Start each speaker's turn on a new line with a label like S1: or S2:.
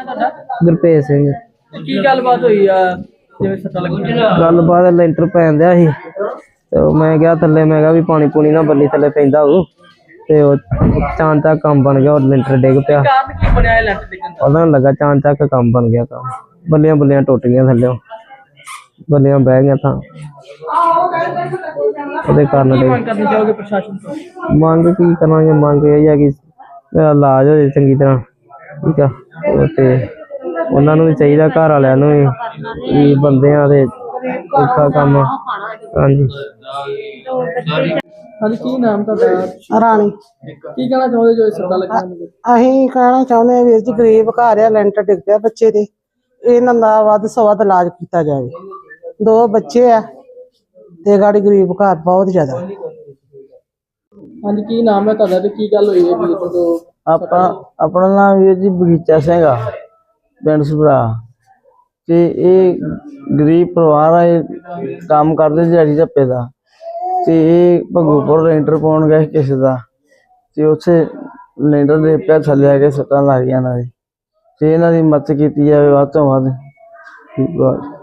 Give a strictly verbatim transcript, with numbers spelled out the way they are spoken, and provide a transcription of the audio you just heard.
S1: ਤੁਹਾਡਾ?
S2: ਗੁਰਪ੍ਰੀਤ ਸਿੰਘ।
S1: ਕੀ ਗੱਲਬਾਤ ਹੋਈ ਆ ਜਿਵੇਂ ਸੱਟਾਂ ਲੱਗੀਆਂ?
S2: ਗੱਲਬਾਤ ਲੈਂਟਰ ਪੈਣ ਦਿਆ ਸੀ ਤੇ ਉਹ ਮੈਂ ਗਿਆ ਥੱਲੇ, ਮੈਂ ਕਿਹਾ ਵੀ ਪਾਣੀ ਪੂਣੀ ਨਾ ਬੱਲੀ ਥੱਲੇ ਪੈਂਦਾ ਹੋਊ ਤੇ ਉਹ ਚਾਂ ਚੱਕ ਕੰਮ ਬਣ ਗਿਆ, ਉਹ ਲੈਂਟਰ ਡਿੱਗ ਪਿਆ।
S1: ਕਾਰਨ ਕੀ ਬਣਿਆ ਇਹ ਲੈਂਟਰ ਡਿੱਗਣ ਦਾ?
S2: ਪਤਾ ਨੀ ਲੱਗਾ, ਚਾਂ ਚੱਕ ਕੰਮ ਬਣ ਗਿਆ। ਕੰਮ ਬੱਲੀਆਂ ਬੱਲੀਆਂ ਟੁੱਟ ਗਈਆਂ ਥੱਲੇ, ਬੱਲੀਆਂ ਬਹਿ ਗਈਆਂ ਤਾਂ ਉਹਦੇ ਕਾਰਨ
S1: ਕੀ
S2: ਡਿੱਗ।
S1: ਮੰਗ ਕਰਨੀ ਚਾਹੋਗੇ ਪ੍ਰਸ਼ਾਸਨ ਤੋਂ?
S2: ਮੰਗ ਕੀ ਕਰਾਂਗੇ, ਮੰਗ ਇਹ ਆ ਕਿ ਮੇਰਾ ਇਲਾਜ ਹੋ ਜਾਏ ਚੰਗੀ ਤਰ੍ਹਾਂ, ਠੀਕ ਆ। ਉਹ ਤੇ ਉਹਨਾਂ ਨੂੰ ਵੀ ਚਾਹੀਦਾ, ਘਰ ਵਾਲਿਆਂ ਨੂੰ ਵੀ, ਵੀ ਬੰਦਿਆਂ ਦੇ ਔਖਾ ਕੰਮ। ਹਾਂਜੀ
S1: ਹਾਂਜੀ, ਕੀ ਨਾਮ ਤੁਹਾਡਾ?
S3: ਰਾਣੀ।
S1: ਕੀ ਕਹਿਣਾ ਚਾਹੁੰਦੇ ਜੋ ਇਹ ਸੱਟਾਂ ਲੱਗੀਆਂ ਨੇ?
S3: ਅਸੀਂ ਕਹਿਣਾ ਚਾਹੁੰਦੇ ਹਾਂ ਵੀਰ ਜੀ, ਗਰੀਬ ਘਰ ਆ, ਲੈਂਟਰ ਡਿੱਗ ਪਿਆ ਬੱਚੇ ਦੇ, ਇਹਨਾਂ ਦਾ ਵੱਧ ਤੋਂ ਵੱਧ ਇਲਾਜ ਕੀਤਾ ਜਾਵੇ। ਦੋ ਬੱਚੇ ਆ ਤੇ ਗਾੜੀ ਗਰੀਬ ਘਰ ਬਹੁਤ ਜ਼ਿਆਦਾ।
S1: ਹਾਂਜੀ, ਕੀ ਨਾਮ ਹੈ ਤੁਹਾਡਾ ਤੇ ਕੀ ਗੱਲ ਹੋਈ ਹੈ ਵੀਰ ਤੋਂ?
S2: ਆਪਾਂ ਆਪਣਾ ਨਾਮ ਵੀਰ ਜੀ ਬਗੀਚਾ ਸਿੰਘ ਆ, ਪਿੰਡ ਸੁਭਰਾ। ਤੇ ਇਹ ਗਰੀਬ ਪਰਿਵਾਰ ਆ, ਇਹ ਕੰਮ ਕਰਦੇ ਦਿਹਾੜੀ ਧੱਪੇ ਦਾ। ਤੇ ਇਹ ਭਗੂਪੁਰ ਲੈਂਟਰ ਪਾਉਣ ਗਏ ਕਿਸੇ ਦਾ, ਤੇ ਉੱਥੇ ਲੈਂਟਰ ਦੇ ਪਿਆ ਥੱਲੇ ਆ ਕੇ ਸੱਟਾਂ ਲੱਗ ਗਈਆਂ ਇਹਨਾਂ ਦੀ। ਤੇ ਇਹਨਾਂ ਦੀ ਮਦਦ ਕੀਤੀ ਜਾਵੇ ਵੱਧ ਤੋਂ ਵੱਧ। ਠੀਕ ਆ।